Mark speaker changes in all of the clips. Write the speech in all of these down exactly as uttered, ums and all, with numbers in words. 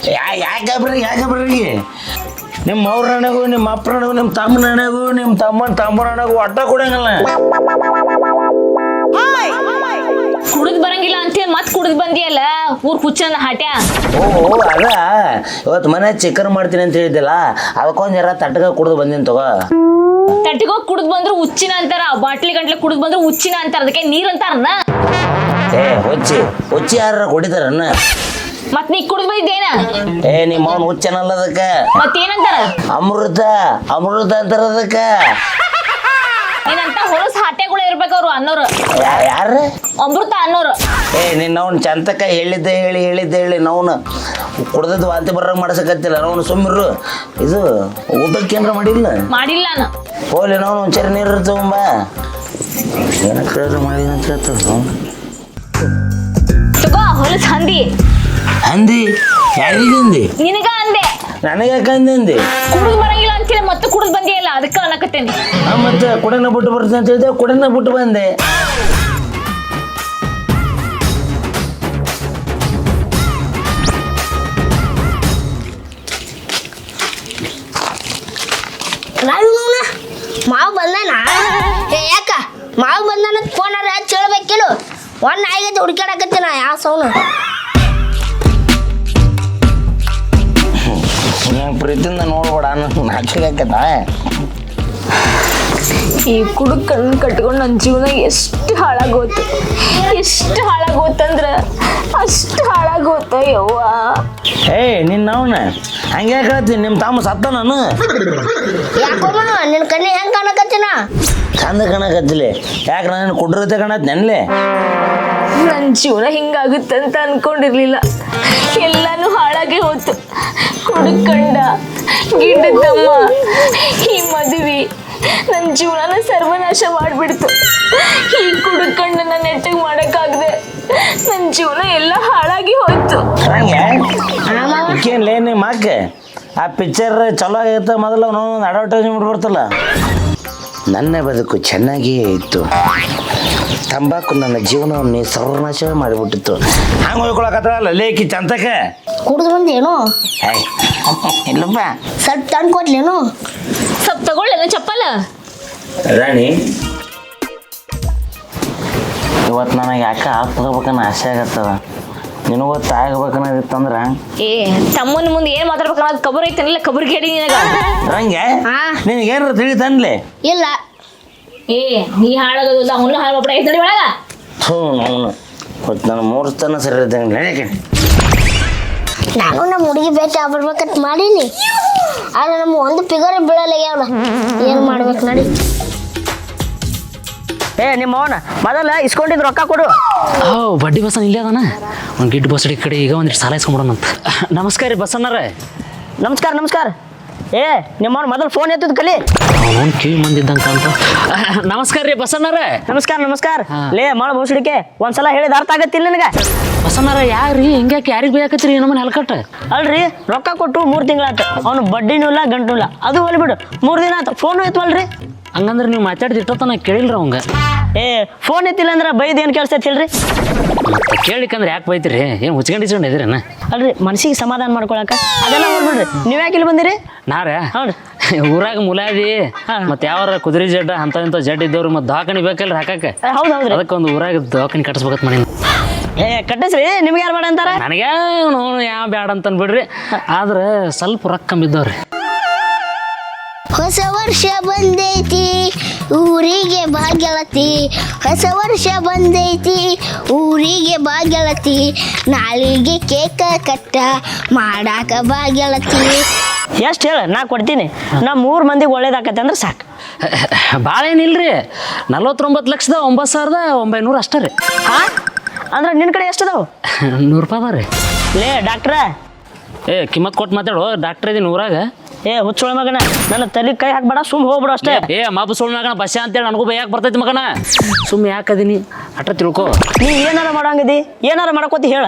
Speaker 1: ಯಾಕೆ ಬರ್ರಿ ಯಾಕೆ ಬರ್ರಿ ನಿಮ್ಮ ಅವ್ರ ಹಣಗೂ ನಿಮ್ಮ ಅಪ್ಪರ ಹಣಗೂ ನಿಮ್ಮ ತಮ್ಮನ ಹಣಗೂ ನಿಮ್ಮ ತಮ್ಮನ ತಮ್ಮನ ಹಣಗೂ ಒಟ್ಟ ಕೊಡಂಗಲ್ಲ
Speaker 2: ಕುಡಿದ್ ಬರಂಗಿಲ್ಲ ಅಂತೇಳಿ ಮತ್ ಕುಡಿದ್ ಬಂದಿಯಲ್ಲ ಊರ್ ಕುಚ್ಚನ ಹಾಟ್ಯಾ.
Speaker 1: ಓ ಅದ ಇವತ್ತು ಮನೆ ಚಿಕನ್ ಮಾಡ್ತೀನಿ ಅಂತ ಹೇಳಿದ್ದಲ್ಲ ಅದಕ್ಕೊಂದ್ ಜರ ತಟ್ಟಗ ಕುಡಿದು ಬಂದಿನಿ ತಗೋ.
Speaker 2: ತಟ್ಟಿಗೋಗಿ ಕುಡಿದ್ ಬಂದ್ರು ಹುಚ್ಚಿನ ಅಂತಾರ, ಬಾಟ್ಲಿ ಗಂಟ್ಲೆ ಕುಡಿದ್ ಬಂದ್ರು ಹುಚ್ಚಿನ ಅಂತಾರ, ಅದಕ್ಕೆ ನೀರ್ ಅಂತಾರನ್ನ.
Speaker 1: ಏ ಹುಚ್ಚಿ ಹುಚ್ಚಿ ಯಾರ ಕುಡಿತಾರನ್ನ
Speaker 2: ಮತ್ ನೀ ಕುಡಿದ್ ಬಂದಿದ್ದೇನ?
Speaker 1: ಏ ನಿಮ್ಮ ಅವ್ನ ಹುಚ್ಚನಲ್ಲ ಅದಕ್ಕ
Speaker 2: ಮತ್ತೇನಂತಾರ?
Speaker 1: ಅಮೃತ ಅಮೃತ ಅಂತಾರ ಅದಕ್ಕ.
Speaker 2: ಏನಂತ ಹೊಲಸ್ ಹಾಟ್ಯಾಗಳು ಇರ್ಬೇಕು ಅವ್ರು ಅನ್ನೋರು.
Speaker 1: ಯಾರ
Speaker 2: ಅಮೃತ ಅನ್ನೋರು.
Speaker 1: ಏ ನಿನ್ನ ಅವ್ನ ಚಂತಕ ಹೇಳಿದ್ದೆ ಹೇಳಿ ಹೇಳಿದ್ದೆ ಹೇಳಿ ನಾವ್ನ ಕುಡ್ದದ್ದು ವಾಂತಿ ಬರಂಗ್ ಮಾಡ್ಸಕತ್ತಿಲ್ಲ ನಾವು ಸುಮ್ಮಿರು. ಇದು ಊಟಕ್ಕೆ ಏನಾರ ಮಾಡಿಲ್ಲ
Speaker 2: ಮಾಡಿಲ್ಲ ನಾನು
Speaker 1: ಹೋಗ್ಲಿ ನಾವು ಒಂಚೂರು ನೀರು ತಗೊಂಬ ಏನ ಕೇಳಿದ್ರೆ ಮಾಡಿದ ಅಂತ ಹೇಳ್ತದ
Speaker 2: ತಗೋ ಹೊಲಸ್ ಹಂದಿ.
Speaker 1: ಹಂದಿ ಯಾರಿಗೆ ಅಂದಿ?
Speaker 2: ನಿನಗ ಅಂದೆ.
Speaker 1: ನನಗೆ ಯಾಕೆ ಅಂದಿ?
Speaker 2: ಕುಡಿದ್ ಬರಂಗಿಲ್ಲ ಅಂತೇಳಿ ಮತ್ತೆ ಕುಡಿದ್ ಬಂದಿಯಲ್ಲ ಅದಕ್ಕೆ ಅನ್ನಕತ್ತೇನಿ.
Speaker 1: ಮತ್ತೆ ಕುಡನ ಬಿಟ್ಟು ಬರ್ತೀನಿ ಅಂತ ಹೇಳಿದೆ, ಕುಡನ ಬಿಟ್ಟು ಬಂದೆ.
Speaker 3: ಮಾವು ಬಂದಾನ ಯಾಕ ಮಾವು ಬಂದಾನ ಫೋನಾರ ಹೇಳ್ಬೇಕಿಲ್ಲ ಒಂದ್ ನಾಯಿಗತ್ತೆ ಹುಡ್ಕಾಡಕತ್ತೀನ ಯಾವ ಸೌನು
Speaker 1: ಪ್ರೀತಿಯಿಂದ ನೋಡ್ಬೇಡ ನಾಚಿಕಾಕತ್ತ.
Speaker 2: ಈ ಕುಡುಕ್ ಕಣ್ಣು ಕಟ್ಕೊಂಡು ನನ್ನ ಜೀವನ ಎಷ್ಟು ಹಾಳಾಗೋತು ಎಷ್ಟು ಹಾಳಾಗೋತಂದ್ರ ಅಷ್ಟು ಹಾಳಾಗೋತ ಯವ್ವ.
Speaker 1: ಏ ನಿನ್ನ ಅವನ ಹಂಗೆ ಹೇಳ್ತೀನಿ ನಿಮ್ಮ ತಮ್ಮ ಸತ್ತ ನಾನು
Speaker 3: ಯಾಕಮ್ಮ ನಿನ್ ಕಣ್ಣಿ ಹೆಂಗ್ ಕಾಣಕತ್ತೀನ
Speaker 1: ಚಂದ ಕಾಣಕತ್ತಿಲ್ಲ ಯಾಕೆ ನಾನು ಕುಡ್ರತೆ ಕಾಣತ್ ನೆನ್ಲೆ.
Speaker 2: ನನ್ನ ಜೀವನ ಹಿಂಗಾಗುತ್ತಂತ ಅನ್ಕೊಂಡಿರ್ಲಿಲ್ಲ, ಎಲ್ಲಾನು ಹಾಳಾಗಿ ಹೋತು. ಕುಡುಕಂಡ ಗಿಡ್ಡದಮ್ಮ ಈ ಮದುವೆ ನನ್ನ ಜೀವನನ ಸರ್ವನಾಶ ಮಾಡಿಬಿಡ್ತು. ಈ ಕುಡುಕಂಡನ್ನ ನೆಟ್ಟಗೆ ಮಾಡೋಕ್ಕಾಗದೆ ನನ್ನ ಜೀವನ ಎಲ್ಲ ಹಾಳಾಗಿ ಹೋಯ್ತು.
Speaker 1: ಹಂಗೆ ನಿಮ್ಮ ಅಕ್ಕ ಆ ಪಿಕ್ಚರ್ ಚಲೋ ಆಗಿರ್ತ ಮೊದಲು ಅವನೊಂದು ಅಡ್ವರ್ಟೈಸ್ಮೆಂಟ್ ಬರ್ತಲ್ಲ, ನನ್ನ ಬದುಕು ಚೆನ್ನಾಗಿಯೇ ಇತ್ತು, ತಂಬಾಕು ನನ್ನ ಜೀವನವನ್ನು ಸರ್ವನಾಶ ಮಾಡಿಬಿಟ್ಟಿತ್ತು. ಹಂಗೆ ಹೋಗ್ಕೊಳಕತ್ತಲ್ಲ ಲೇಕಿ ಚಂತಕ
Speaker 3: ಕುಡಿದು ಬಂದೇನು
Speaker 1: ಇಲ್ಲಪ್ಪ
Speaker 3: ಸ್ವಲ್ಪ ತಂದು ಕೊಡ್ಲೇನು
Speaker 2: ಸ್ವಲ್ಪ ತಗೊಳ್ಳೇನು ಚಪ್ಪಲ.
Speaker 1: ರಾಣಿ ಇವತ್ತು ನನಗೆ ಯಾಕೆ ಆಗ್ಬೇಕನ್ನ ಆಸೆ ಆಗತ್ತದ, ನಿನಗೂ ತಾಗಬೇಕನ್ನೋದಿತ್ತಂದ್ರ
Speaker 2: ಏ ತಮ್ಮನ ಮುಂದೆ ಏನ್ ಮಾತಾಡ್ಬೇಕನ್ನೋದು ಕಬರ್ ಐತನಿಲ್ಲ ಕಬರ್ ಕೇಳಿ ನಿನಗ
Speaker 1: ಹಂಗೆ ನಿನಗೆ ಏನಾರು ತಿಳಿತನ್ಲೆ
Speaker 3: ಇಲ್ಲ.
Speaker 2: ಏ ನೀ ಹಾಳಾಗೋದಿಲ್ಲ ಅವನು ಹಾಳು ಮಾಡ್ಬಿಡ ಐತೆ ನೋಡಿ ಒಳಗ.
Speaker 1: ಹ್ಞೂ ಅವನು ಮತ್ತು ನನ್ನ ಮೂರು ತನ ಸರಿ ಇದ್ದಂಗೆ ನಡೆಯಕ್ಕೆ
Speaker 3: ನಾನು ನಮ್ಮ ಹುಡುಗಿ ಭೇಟಿ ಆಗ್ಬಿಡ್ಬೇಕಂತ ಮಾಡೀನಿ, ಆದ್ರೆ ನಮ್ಮ ಒಂದು ಫಿಗರ್ ಬೀಳಲ್ಲ ಅವಳ ಏನು ಮಾಡ್ಬೇಕು ನಡಿ.
Speaker 4: ಏ ನಿಮ್ಮ ಅವನ ಮೊದಲ ಇಸ್ಕೊಂಡಿದ್ದು ರೊಕ್ಕ ಕೊಡು.
Speaker 5: ಓ ಬಡ್ಡಿ ಬಸನ್ ಇಲ್ಲೇ ಅದಾನ, ಒಂದು ಗಿಡ್ಡು ಬಸಡಿ ಕಡೆ ಈಗ ಒಂದಿಟ್ಟು ಸಾಲ ಇಸ್ಕೊಂಬಿಡೋಣಂತ. ನಮಸ್ಕಾರ ರೀ ಬಸಣ್ಣರೇ.
Speaker 4: ನಮಸ್ಕಾರ ನಮಸ್ಕಾರ. ಏ ನಿಮ್ಮವ್ನ ಮೊದಲು ಫೋನ್ ಎತ್ತಿದ್ ಕಲಿ,
Speaker 5: ಅವನು ಕಿವಿ ಮಂದಿದ್ದಂಕ ಅಂತ. ನಮಸ್ಕಾರ ರೀ ಬಸಣ್ಣರೇ.
Speaker 4: ನಮಸ್ಕಾರ ನಮಸ್ಕಾರ. ಲೇ ಮಾಡ ಬೋಸಡಿಕೆ ಒಂದ್ಸಲ ಹೇಳಿದ ಅರ್ಥ ಆಗತ್ತಿಲ್ಲ ನಿನಗೆ.
Speaker 5: ಬಸಣ್ಣರ ಯಾರ್ರಿ ಹಿಂಗ್ಯಾಕೆ ಯಾರಿಗೆ ಬೇಕಾಕತ್ರಿ ನಮ್ಮನ್ನ ಹೆಲ್ಕಟ್ಟ?
Speaker 4: ಅಲ್ರಿ ರೊಕ್ಕ ಕೊಟ್ಟು ಮೂರು ತಿಂಗಳಾಯ್ತು, ಅವ್ನು ಬಡ್ಡಿನೂ ಇಲ್ಲ ಗಂಟು ಇಲ್ಲ, ಅದು ಹೋಲಿಬಿಡು ಮೂರು ದಿನ ಆಯ್ತು ಫೋನು ಎತ್ತವಲ್ರಿ.
Speaker 5: ಹಂಗಂದ್ರೆ ನೀವು ಮಾತಾಡಿದಿಟ್ಟತ್ತ ನಾ ಕೇಳಿಲ್ರಿ ಅವಂಗ.
Speaker 4: ಏ ಫೋನ್ ಎತ್ತಿಲ್ಲ ಅಂದ್ರೆ ಬೈದು ಏನು ಕೇಳಿಸ್ತೈತಿ ಹೇಳ್ರಿ.
Speaker 5: ಮತ್ತೆ ಕೇಳಿಕಂದ್ರೆ ಯಾಕೆ ಬೈತಿರಿ, ಏನು ಹುಚ್ಕೊಂಡಿಸ್ಕೊಂಡು ಇದ್ದೀರೇನ?
Speaker 4: ಅಲ್ರಿ ಮನಸ್ಸಿಗೆ ಸಮಾಧಾನ ಮಾಡ್ಕೊಳಕ ಅದೆಲ್ಲ ಹೋಗ್ಬಿಡ್ರಿ. ನೀವು ಯಾಕೆ ಇಲ್ಲಿ ಬಂದಿರಿ?
Speaker 5: ನಾರ
Speaker 4: ಹೌದು
Speaker 5: ಊರಾಗ ಮುಲಾದಿ ಮತ್ತೆ ಯಾವ ಕುದುರೆ ಜಡ್ಡ ಅಂತ ಇಂಥ ಜಡ್ ಇದ್ದವ್ರು ಮತ್ತೆ ದವಾಖಾನಿ ಬೇಕಲ್ರಿ ಹಾಕಕ್ಕೆ.
Speaker 4: ಹೌದು ಹೌದ್ರಿ.
Speaker 5: ಅದಕ್ಕೆ ಒಂದು ಊರಾಗ ದವಾಖಾನಿ ಕಟ್ಟಿಸ್ಬೇಕತ್ ಮಾಡಿ.
Speaker 4: ಏ ಕಟ್ಟಿಸ್ರಿ, ನಿಮ್ಗೆ ಯಾರು ಬೇಡ ಅಂತಾರ?
Speaker 5: ನನಗೆ ಯಾವ ಬ್ಯಾಡ ಅಂತ ಬಿಡ್ರಿ, ಆದ್ರೆ ಸ್ವಲ್ಪ ರೊಕ್ಕ ಕಮ್ಮಿದ್ದವ್ರಿ.
Speaker 3: ಹೊಸ ವರ್ಷ ಬಂದೈತಿ ಊರಿಗೆ ಭಾಗ್ಯಲತಿ, ಹೊಸ ವರ್ಷ ಬಂದೈತಿ ಊರಿಗೆ ಭಾಗ್ಯಲತಿ, ನಾಳಿಗೆ ಕೇಕ ಕಟ್ಟ ಮಾಡಾಕ ಭಾಗ್ಯಲತಿ.
Speaker 4: ಎಷ್ಟು ಹೇಳ ನಾ ಕೊಡ್ತೀನಿ, ನಮ್ಮ ಮೂರು ಮಂದಿಗೆ ಒಳ್ಳೇದಾಕತ್ತೆ ಅಂದ್ರೆ ಸಾಕು.
Speaker 5: ಭಾಳ ಏನಿಲ್ರಿ, ನಲ್ವತ್ತೊಂಬತ್ತು ಲಕ್ಷದ ಒಂಬತ್ತು ಸಾವಿರದ ಒಂಬೈನೂರು ಅಷ್ಟೇ ರೀ.
Speaker 4: ಹಾಂ ಅಂದ್ರೆ ನಿನ್ನ ಕಡೆ ಎಷ್ಟು ಅದಾವು?
Speaker 5: ನೂರು ರೂಪಾಯಿ ಅದ ರೀ.
Speaker 4: ಲೇ ಡಾಕ್ಟ್ರ
Speaker 5: ಏ ಕಿಮ್ಮತ್ ಕೊಟ್ಟು ಮಾತಾಡು, ಡಾಕ್ಟ್ರ್ ಇದೀನಿ ಊರಾಗ.
Speaker 4: ಏ ಹುಚ್ಚೊಳ ಮಗನ ನನ್ನ ತಲೆ ಕೈ ಹಾಕ್ಬೇಡ, ಸುಮ್ ಹೋಗ್ಬಿಡು ಅಷ್ಟೇ.
Speaker 5: ಏ ಮಾಪು ಸುಳ್ಳು ಮಗನ ಬಸ್ಸೆ ಅಂತೇಳಿ ನನಗೂ ಬೈಯಾಕೆ ಬರ್ತೈತಿ ಮಗನ, ಸುಮ್ಮನೆ ಯಾಕದೀನಿ ಅಟ್ಟ ತಿಳ್ಕೊ.
Speaker 4: ನೀ ಏನಾರ ಮಾಡಂಗದಿ, ಏನಾರ ಮಾಡಕೋತಿ ಹೇಳ.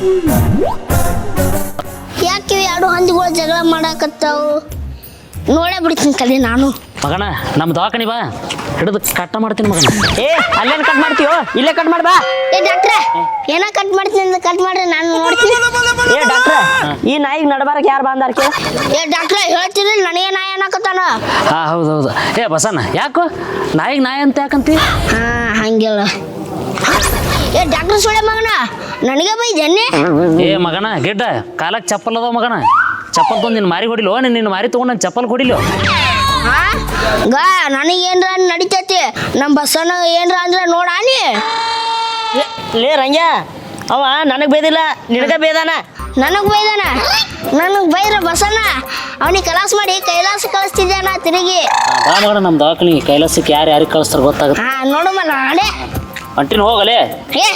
Speaker 3: ಯಾಕೆ ಎರಡು ಹಂದಿಗಳು ಜಗಳ ಮಾಡಾಕತ್ತಾವು ನೋಡೇ ಬಿಡ್ತೀನಿ ಕಲಿ ನಾನು.
Speaker 5: ಮಗನ ನಮ್ಮ ದವಾಖಾನಿ ಬಾ ಹಿಡಿದು ಕಟ್ಟ ಮಾಡ್ತೀನಿ ಮಗನ.
Speaker 4: ಏ ಅಲ್ಲೇನು ಕಟ್ ಮಾಡ್ತೀವೋ ಇಲ್ಲೇ ಕಟ್ ಮಾಡಿ ಬಾ.
Speaker 3: ಏ ಡಾಕ್ಟ್ರ ಏನೋ ಕಟ್ ಮಾಡ್ತೀನಿ ಅಂತ ಕಟ್ ಮಾಡ್ರಿ ನಾನು ನೋಡ್ತೀನಿ.
Speaker 4: ಏ ಡಾಕ್ಟ್ರ ಈ ನಾಯಿಗೆ ನಡಬಾರಕ್ಕೆ ಯಾರು ಬಂದಾರ ಕೇಳ.
Speaker 3: ಏ ಡಾಕ್ಟ್ರ ಹೇಳ್ತೀನಿ ನನಗೆ ನಾಯಿ ಅನ್ನಕತ್ತಾನ.
Speaker 5: ಹಾಂ ಹೌದು ಹೌದು. ಏ ಬಸಣ್ಣ ಯಾಕೋ ನಾಯಿಗೆ ನಾಯಿ ಅಂತ ಯಾಕಂತಿ?
Speaker 3: ಹಾ ಹಂಗಿಲ್ಲ. ಏ ಡಾಕ್ಟರ್ ಸುಳೆ ಮಗನ ನನಗೆ ಬೈದೇನೆ.
Speaker 5: ಏ ಮಗನ ಗಿಡ್ಡ ಕಾಲಕ್ಕೆ ಚಪ್ಪಲ್ ಅದಾವ ಮಗನ. ಚಪ್ಪಲ್ ತೊಗೊಂಡು ನಿನ್ನ ಮಾರಿ ಹೊಡಿಲೋ ನಿನ್ನ ನಿನ್ನ ಮಾರಿ ತೊಗೊಂಡು ನನ್ನ ಚಪ್ಪಲ್ ಹೊಡಿಲೋ.
Speaker 3: ಹಾ ಗಾ ನನಗೆ ಏನ್ರ ನಡಿತೈತಿ ನಮ್ಮ ಬಸ್ಸನ ಏನ್ರ ಅಂದ್ರೆ ನೋಡಾನಿ.
Speaker 4: ಲೇ ರಂಗ್ಯ ಅವ ನನಗೆ ಬೇದಿಲ್ಲ ನಿನಗ ಬೇದಾನ.
Speaker 3: ನನಗೆ ಬೈದಾನ ನನಗೆ ಬೈರ ಬಸಣ್ಣ ಅವನಿಗೆ ಕಲಾಸ ಮಾಡಿ ಕೈಲಾಸ ಕಳಿಸ್ತಿದ್ದಾನ ತಿರುಗಿ.
Speaker 5: ಬಾ ಮಗನ ನಮ್ಮ ದವಾಖಾನಿಗೆ ಕೈಲಾಸಕ್ಕೆ ಯಾರು ಯಾರಿಗೆ ಕಳಿಸ್ತಾರೆ ಗೊತ್ತಾಗುತ್ತೆ.
Speaker 3: ಹಾ ನೋಡಮ್ಮ ನಾಳೆ
Speaker 5: ಅಂಟಿನ ಹೋಗಲೇ.
Speaker 3: ಏ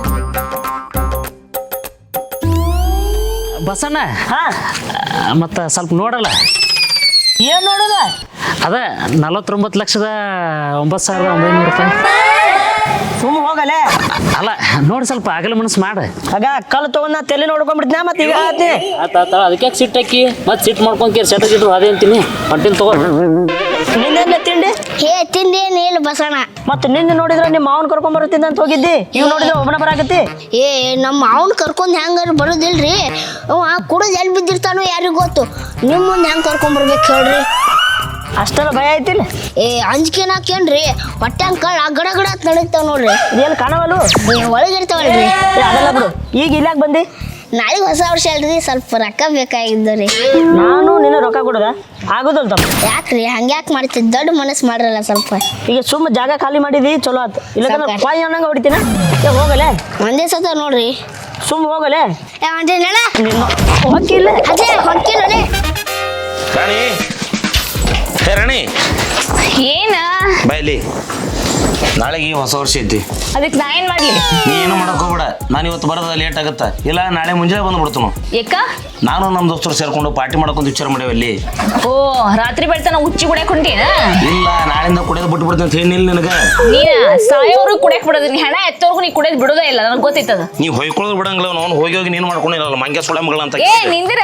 Speaker 5: ಬಸಣ್ಣ
Speaker 4: ಹಾ
Speaker 5: ಮತ್ತು ಸ್ವಲ್ಪ ನೋಡಲ್ಲ.
Speaker 4: ಏನು ನೋಡೋದ?
Speaker 5: ಅದ ನಲವತ್ತೊಂಬತ್ತು ಲಕ್ಷದ ಒಂಬತ್ತು ಸಾವಿರದ ಒಂಬೈನೂರು ರೂಪಾಯಿ.
Speaker 4: ಸುಮ್ಮ ಹೋಗಲೇ.
Speaker 5: ಅಲ್ಲ ನೋಡಿ ಸ್ವಲ್ಪ ಆಗಲ ಮನಸ್ಸು ಮಾಡು.
Speaker 4: ಆಗ ಕಲ್ಲು ತಗೊಂಡ್ ನಾ ತಲೆ ನೋಡ್ಕೊಂಡ್ಬಿಡ್ತೀನಿ ಮತ್ತೆ ಈಗ ಆತೀನಿ.
Speaker 5: ಆತ ಆತ ಅದಕ್ಕೆ ಯಾಕೆ ಸಿಟ್ಟು ಹಾಕಿ ಮತ್ತೆ ಸಿಟ್ಟು ಮಾಡ್ಕೊಂಡು ಕೇಳಿ ಸೆಟ್ ಗಿಟ್ಟು ಅದೇ ಅಂತೀನಿ. ಅಂಟಿನ ತಗೋ.
Speaker 4: ನಿನ್ನೆಲ್ಲ ತಿಂಡಿ
Speaker 3: ಹೇ ತಿಂದೇನು ಇಲ್ಲ ಬಸಣ್ಣ.
Speaker 4: ಮತ್ತೆ ನಿನ್ನೆ ನೋಡಿದ್ರೆ ನಿಮ್ಮ ಮಾವನ್ ಕರ್ಕೊಂಡ್ ಬರುತ್ತಿದ್ದ ಅಂತ ಹೋಗಿದ್ದಿ. ಈಗ ನೋಡಿದ್ರೆ ಒಬ್ಬನ ಬರಾಕತ್ತಿ.
Speaker 3: ಏ ನಮ್ಮ ಅವನು ಕರ್ಕೊಂಡು ಹೆಂಗಾರು ಬರೋದಿಲ್ರಿ. ಅವ ಕುಡಿದು ಎಲ್ಲಿ ಬಿದ್ದಿರ್ತಾನೋ ಯಾರಿಗೂ ಗೊತ್ತು. ನಿಮ್ಮ ಮುಂದೆ ಹೆಂಗೆ ಕರ್ಕೊಂಬರ್ಬೇಕು ಹೇಳ್ರಿ.
Speaker 4: ಅಷ್ಟೆಲ್ಲ ಭಯ ಐತಿಲ್ಲ.
Speaker 3: ಏ ಅಂಜಿಕೆನ ಹಾಕೇನ್ರಿ ಹೊಟ್ಟೆ ಹಂಗೆ ಕಳ್ಳ ಗಡ ಗಡ ಅಂತ ನಡೀತಾವ ನೋಡ್ರಿ.
Speaker 4: ಇದೇನು ಕಾಣವಲ್ಲು.
Speaker 3: ಏ ಒಳಗಿರ್ತಾವಲ್ರಿ.
Speaker 4: ಏ, ಅದೆಲ್ಲ ಬಿಡು. ಈಗ ಇಲ್ಲಾಕ್ ಬಂದಿ?
Speaker 3: ನಾಳೆಗೆ ಹೊಸ ವರ್ಷ ಅಲ್ರಿ ಸ್ವಲ್ಪ ರೊಕ್ಕ ಬೇಕಾಗಿದ್ದು ರೀ.
Speaker 4: ನಾನು ನಿನ್ನ ರೊಕ್ಕ ಕೊಡೋದ ಆಗೋದಲ್ ತಮ್ಮ.
Speaker 3: ಯಾಕ್ರಿ ಹಂಗ್ಯಾಕೆ ಮಾಡ್ತಿದ್ ದೊಡ್ಡ ಮನಸ್ಸು ಮಾಡ್ರಲ್ಲ ಸ್ವಲ್ಪ.
Speaker 4: ಈಗ ಸುಮ್ಮ ಜಾಗ ಖಾಲಿ ಮಾಡಿದಿ ಚಲೋ ಆತು. ಇಲ್ಲಕಂದ್ರೆ
Speaker 3: ಸಾಕಾಯ್ತು.
Speaker 4: ಪಾಯಿ ಅನ್ನಂಗೆ ಹೊಡಿತೀನ. ಏ ಹೋಗಲೇ
Speaker 3: ಒಂದೇ ಸತ ನೋಡ್ರಿ.
Speaker 4: ಸುಮ್ಮ ಹೋಗಲೇ.
Speaker 3: ಏ ಒಂದೇ ನಡ
Speaker 4: ನಿನ್ನ ಹೊಕ್ಕಿಲ್ಲ.
Speaker 3: ಅದೇ ಹೊಕ್ಕಿಲ್ಲೇ.
Speaker 1: ರಾಣಿ ಹೇ ರಾಣಿ
Speaker 2: ಏನ
Speaker 1: ಬಾಯ್ಲಿ ನಾಳೆಗೆ ಹೊಸ ವರ್ಷ ಐತಿ.
Speaker 2: ಅದಕ್ಕೆ ನಾ ಏನ್ ಮಾಡ್ಲಿ?
Speaker 1: ನೀ ಏನು ಮಾಡಕ್ ಹೋಗ್ಬೇಡ. ನಾನು ಇವತ್ತು ಬರೋದ ಲೇಟ್ ಆಗತ್ತ. ಇಲ್ಲ ನಾಳೆ ಮುಂಜಾನೆ ಬಂದ್ಬಿಡ್ತು.
Speaker 2: ಯಾಕ?
Speaker 1: ನಾನು ನಮ್ಮ ದೋಸ್ತರು ಸೇರ್ಕೊಂಡು ಪಾರ್ಟಿ ಮಾಡಕೊಂತ ವಿಚಾರ ಮಾಡೇವಿ ಅಲ್ಲಿ.
Speaker 2: ಓ ರಾತ್ರಿ ಬೆಳ್ತಾನ ಉಚ್ಚಿ ಕುಡಿಯಕ್ ಹೊಂಟೀನ?
Speaker 1: ಇಲ್ಲ ನಾಳೆಯಿಂದ ಕುಡಿಯೋದು ಬಿಟ್ಟು ಬಿಡ್ತೀನಿ ಅಂತ ಹೇಳಿಲ್ಲ ನಿನಗೆ.
Speaker 2: ನೀನ ಸಾಯೋರು ಕುಡಿಯಕ್ ಬಿಡೋದು. ನೀ ಹೆಣ ಎತ್ತೋರ್ಗು ನೀ ಕುಡಿಯೋದು ಬಿಡೋದೇ ಇಲ್ಲ. ನನಗೆ ಗೊತ್ತೈತದ.
Speaker 1: ನೀ ಹೊಯ್ಕೊಳ್ಳೋದು ಬಿಡಂಗಿಲ್ಲ. ಅವ್ನು ಹೋಗಿ ಹೋಗಿ ನೀನು ಮಾಡ್ಕೊಂಡಿರಲ್ಲ ಮಂಗ್ಯ ಸುಳೆ ಮಗಳ ಅಂತ.
Speaker 2: ಏ ನಿಂದಿರ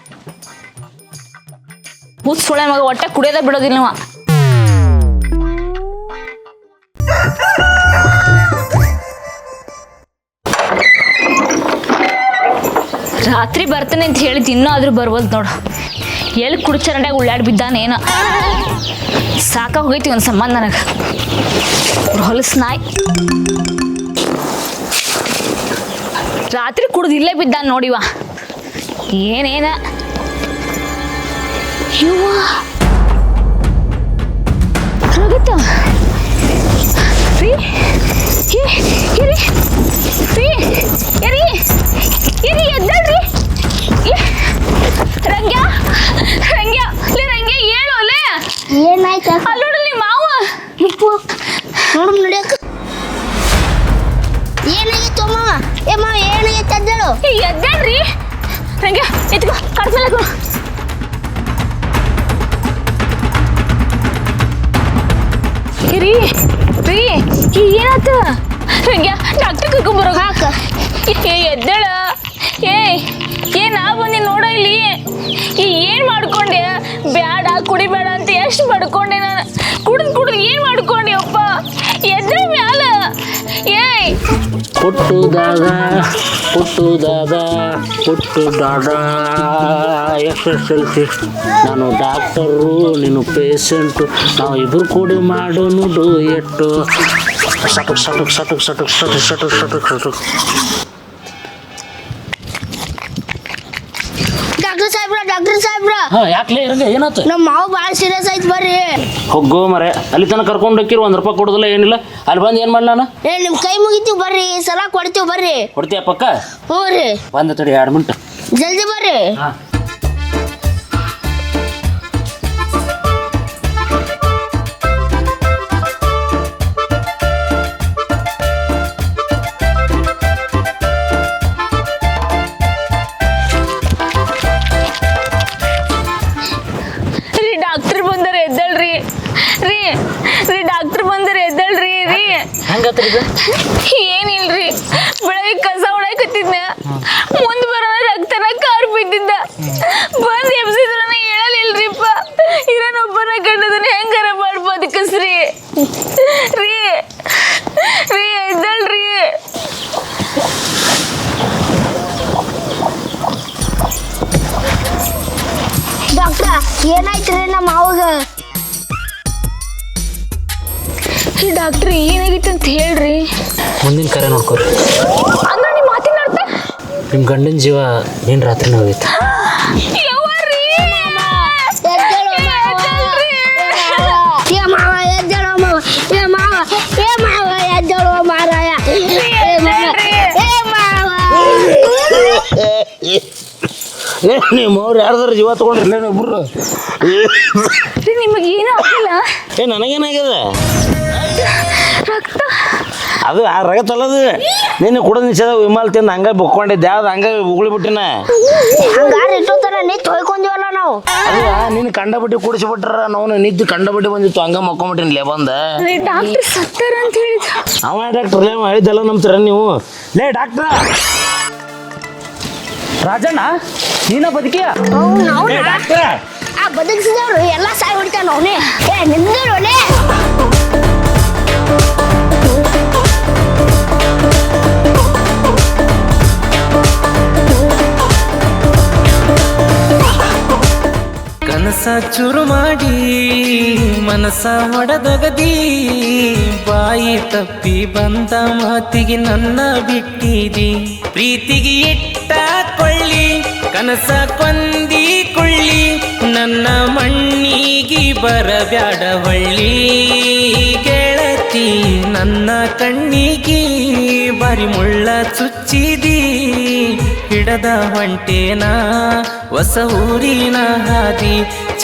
Speaker 2: ಹುಸ್ ಸುಳೆ ಮಗ ಒಟ್ಟ ಕುಡಿಯೋದ ಬಿಡೋದಿಲ್ಲ ನೀವ. ರಾತ್ರಿ ಬರ್ತಾನೆ ಅಂತ ಹೇಳಿದ್ ಇನ್ನೂ ಆದ್ರೂ ಬರ್ಬೋದು ನೋಡು. ಎಲ್ಲಿ ಕುಡಿಚರಂಡ್ಯಾಗ ಉಳ್ಳಾಡ್ ಬಿದ್ದಾನೇನ. ಸಾಕ ಹೋಗೈತಿ ಒಂದು ಸಂಬಂಧ ನನಗೆ. ಹೊಲಸ್ ನಾಯಿ ರಾತ್ರಿ ಕುಡ್ದು ಇಲ್ಲೇ ಬಿದ್ದಾನ ನೋಡಿವ. ಏನೇನ ಇವ ರಗತ ರೀ ಏ ಇರಿ ರೀ ಇರಿ ಇರಿ ಎದ್ದಳ್ರಿ. ರಂಗ್ಯ ರಂಗ್ಯ ಲೇ ರಂಗ್ಯ ಹೇಳು ಲೇ.
Speaker 3: ಏನಾಯ್ತು
Speaker 2: ಅಲ್ಲಿ ನೋಡು ನಿಮ್ಮ ಮಾವ.
Speaker 3: ನೋಡು ನಡಿಯಕ್ಕ ಏನಾಗಿತ್ತು ಮಾವ. ಏ ಮಾವ ಏನಾಗಿತ್ತು ಅದ್ದಳು.
Speaker 2: ಏ ಎದ್ದಳ್ರಿ ರಂಗ್ಯ ಎತ್ಕೋ ಕಡ್ಸಲಕ್ಕ. ರೀ ರೀ ಏನಾತ ರಂಗ್ಯ ಡಾಕ್ಟರ್ ಕರ್ಕೊಂಬರೋ ಹಾಕ. ಏ ಎದ್ದಳ. ಏ ಏ ನಾ ಬಂದಿ ನೋಡ ಇಲ್ಲಿ. ಈ ಏನ್ ಮಾಡ್ಕೊಂಡೆ? ಬ್ಯಾಡ ಕುಡಿಬೇಡ ಅಂತ ಎಷ್ಟು ಪಡ್ಕೊಂಡೆ ನಾನು. ಕುಡಿದ್ ಕುಡಿದ್ ಏನ್ ಮಾಡ್ಕೊಂಡೆ ಅಪ್ಪ? ಎದ್ರ ಮ್ಯಾಲ ಏಯ್
Speaker 5: ಪುಟ್ಟು ದಾದ ಪುಟ್ಟು ದಾದ ಪುಟ್ಟು ದಾದ ಎಸ್ ಎಸ್ ಎಲ್ ಸಿ. ನಾನು ಡಾಕ್ಟರು ನೀನು ಪೇಷಂಟು. ನಾವು ಇಬ್ಬರು ಕೂಡಿ ಮಾಡೋನು ಎಷ್ಟು ಸಟಕ್ ಸಟಕ್ ಸಟಕ್ ಸಟಕ್ ಸಟಕ್ ಸಟಕ್ ಸಟಕ್ ಸಟಕ್.
Speaker 3: ಡಾಕ್ಟರ್ ಸಾಹೇಬ್ರ ಡಾಕ್ಟರ್ ಸಾಹೇಬ್ರ
Speaker 5: ಹಾಂ ಯಾಕೆ ಇರಂಗ ಏನಾಯ್ತು?
Speaker 3: ನಮ್ಮ ಮಾವು ಭಾಳ ಸೀರಿಯಸ್ ಆಯ್ತು ಬರ್ರಿ.
Speaker 5: ಹೋಗೋ ಮರೆ ಅಲ್ಲಿ ತನಕ ಕರ್ಕೊಂಡು ಹೋಗಿರು ಒಂದು ರೂಪಾಯಿ ಕೊಡೋದಿಲ್ಲ ಏನಿಲ್ಲ. ಅಲ್ಲಿ ಬಂದು ಏನು ಮಾಡಿ ನಾನು
Speaker 3: ಏ ನಿಮ್ಮ ಕೈ ಮುಗಿತೀವಿ ಬರ್ರಿ. ಸಲ ಕೊಡ್ತೀವಿ ಬರ್ರಿ.
Speaker 5: ಕೊಡ್ತೀಯ ಪಕ್ಕ?
Speaker 3: ಹ್ಞೂ ರೀ
Speaker 5: ಬಂದ ತಡಿ ಎರಡು ಮಿನಿಟ್.
Speaker 3: ಜಲ್ದಿ ಬರ್ರಿ.
Speaker 5: ಹಾಂ
Speaker 2: ಡಾಕ್ಟರ್ ಬಂದರೆ ಎದ್ದಳ್ರಿ ರೀ ರೀ ಡಾಕ್ಟರ್ ಬಂದರೆ ಎದ್ದಳ್ರಿ ರೀ.
Speaker 5: ಹೆಂಗತ್ರಿ ಇದು?
Speaker 2: ಏನಿಲ್ರಿ ಬೆಳಗ್ಗೆ ಕಸ ಹೊಡಕತ್ತಿದ್ನ ಮುಂದೆ ಬರೋಣ ರಕ್ತನ ಕಾರ್ ಬಿದ್ದಿದ್ದ. ಬಂದು ಎಬ್ಸಿದ್ರ ಹೇಳಲಿಲ್ರಿಪ್ಪ. ಇರೋನೊಬ್ಬನ ಕಂಡದನ್ನ ಹೆಂಗಾರ ಎಬ್ಬಿಸ್ರಿ ರೀ ರೀ ಎದ್ದಳ್ರಿ.
Speaker 3: ಡಾಕ್ಟ್ರ ಏನಾಯ್ತ್ರಿ ನಮ್ಮ ಮಾವಾಗ?
Speaker 2: ಡಾಕ್ಟ್ರಿ ಏನಾಗಿತ್ತು ಅಂತ ಹೇಳ್ರಿ.
Speaker 5: ಮುಂದಿನ ಕರೆ ನೋಡ್ಕೊರಿ.
Speaker 2: ಅಂದ್ರೆ ನಿಮ್ಮ ಮಾತಿನ ಅರ್ಥ
Speaker 5: ನಿಮ್ಮ ಗಂಡನ ಜೀವ ಏನು ರಾತ್ರಿನೇ ಹೋಗೈತೆ.
Speaker 2: ಯವ್ವಾರಿ.
Speaker 3: ಎದ್ದೇಳು ಮಾವ. ಏ ಮಾವ ಎದ್ದೇಳು ಮಾವ. ಏ ಮಾವ ಏ ಮಾವ ಎದ್ದೇಳು ಮಾರಾಯ. ಏ ಮಾವ ಏ ಮಾವ.
Speaker 1: ನಿಮ್ಮ ಅವ್ರು ಯಾರ್ದಾರು ಜೀವ ತೊಗೊಂಡ್ರಿಲ್ಲ ಒಬ್ರು?
Speaker 2: ರೀ ನಿಮಗೆ ಏನೂ ಆಗಿಲ್ಲ?
Speaker 1: ಏ ನನಗೇನಾಗ್ಯದ?
Speaker 2: ರಕ್ತ
Speaker 1: ಅದು ಆ ರಗತ್ತಲ್ಲದು ನಿನ್ನ ಕುಡಿದ ನಿಷೇಧ ವಿಮಾಲ್ ತಿಂದು ಹಂಗೆ ಬುಕ್ಕೊಂಡಿದ್ದೆ. ಯಾವ್ದು ಹಂಗೆ ಉಗುಳಿ ಬಿಟ್ಟಿನ
Speaker 3: ಹಂಗಾರೆ ಇಟ್ಟೋತರ ನಿಂತು ಹೊಯ್ಕೊಂದಿವಲ್ಲ ನಾವು.
Speaker 1: ಅಲ್ಲ ನಿನ್ನ ಕಂಡಬಟ್ಟಿ ಕುಡಿಸ್ಬಿಟ್ರ ನಾವು ನಿದ್ದು ಕಂಡಬಟ್ಟಿ ಬಂದಿತ್ತು ಹಂಗೆ ಮಕ್ಕೊಂಬಿಟ್ಟಿನಿ ಲೇ ಬಂದ.
Speaker 2: ರೀ ಡಾಕ್ಟ್ರ್ ಸತ್ತಾರ ಅಂತ ಹೇಳಿದ.
Speaker 1: ಅವ ಡಾಕ್ಟ್ರ್ ಲೇ ಹೇಳಿದ್ದೆಲ್ಲ ನಂಬ್ತೀರ ನೀವು? ಲೇ ಡಾಕ್ಟ್ರ
Speaker 5: ರಾಜಣ್ಣ ನೀನ ಬದುಕಿಯ?
Speaker 3: ಅವ್ನು ಅವ್ನ
Speaker 1: ಡಾಕ್ಟ್ರ
Speaker 3: ಆ ಬದುಕಿಸಿದವ್ರು ಎಲ್ಲ ಸಾಯ್ ಹೊಡಿತಾನ ಅವನೇ. ಏ ನಿಮ್ದೇನೋಲೆ.
Speaker 6: ಕನಸ ಚುರು ಮಾಡಿ ಮನಸ ಹೊಡೆದೊಗದಿ, ಬಾಯಿ ತಪ್ಪಿ ಬಂದ ಮಾತಿಗೆ ನನ್ನ ಬಿಟ್ಟಿದಿ. ಪ್ರೀತಿಗೆ ಇಟ್ಟ ಕೊಳ್ಳಿ ಕನಸ ಕೊಂದಿ ಕೊಳ್ಳಿ, ನನ್ನ ಮಣ್ಣಿಗೆ ಬರಬ್ಯಾಡ ಹೊಳ್ಳಿ. ಗೆಳತಿ ನನ್ನ ಕಣ್ಣಿಗೆ ಬಾರಿ ಮುಳ್ಳ ಚುಚ್ಚಿದಿ, ಹಿಡದ ಹೊಂಟೇನ ಹೊಸ ಊರಿನ ಹಾದಿ.